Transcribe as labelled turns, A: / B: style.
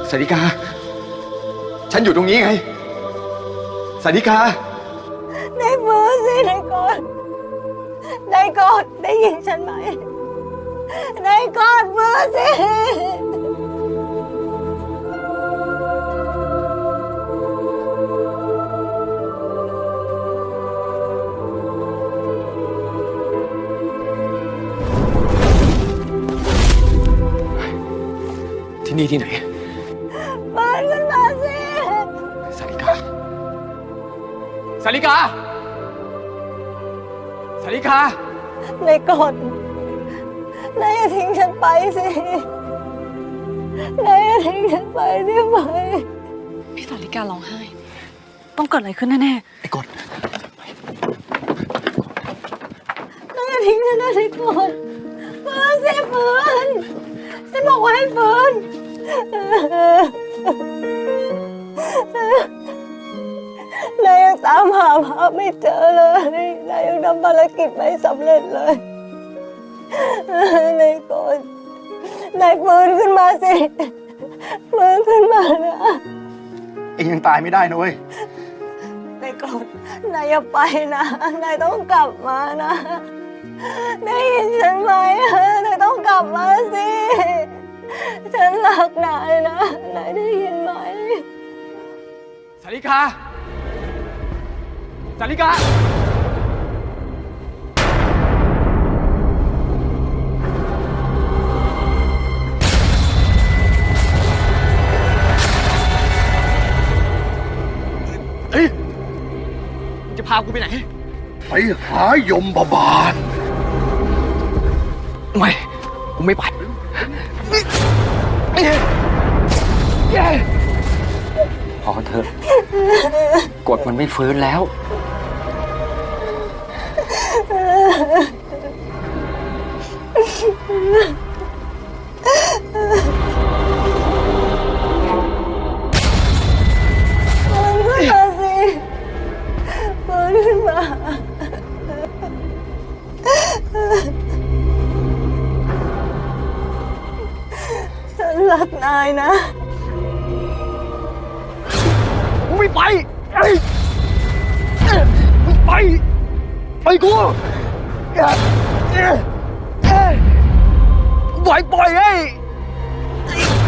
A: สาริกาฉันอยู่ตรงนี้ไงสาริกา
B: ได้ฟื้นสินายกอดได้ยินฉันไหมนายกอดฟื้นสิ
A: ที่นี่ที่ไหน
B: ฟื้นขึ้นมาสิ
A: สาริกาสาริกาสาริกาน
B: ายกอดนายอย่าทิ้งฉันไปสินายอย่าทิ้งฉันไปได้ไหม
C: พี่สาริการ้องไห้ต้องเกิดอะไรขึ้นแน่
A: ไอ้กด
B: นายอย่าทิ้งฉันนะนายกอดฟื้นสิฟื้นฉันบอกว่าให้ฟื้นนายยังตามหาพระไม่เจอเลยนายยังทำภารกิจไม่สำเร็จเลยนายกอดนายฟื้นขึ้นมาสิฟื้นขึ้นมานะ
A: เองยังตายไม่ได้นะเว้ย
B: นายกอดนายอย่าไปนะนายต้องกลับมานะได้ยินฉันไหมนายต้องกลับมาสิฉันรักนายนะนายได้ยินไหม
A: สาริกาสาริกาเฮ้ยจะพากูไปไหน
D: ไปหายมบาล
A: ไม่กูไม่ไปพอเถอะกดมันไม่ฟื้นแล้ว
B: ฟื้นขึ้นมาฉันรักนายนะ
A: ไม่ไปไปกูปล่อยไอ้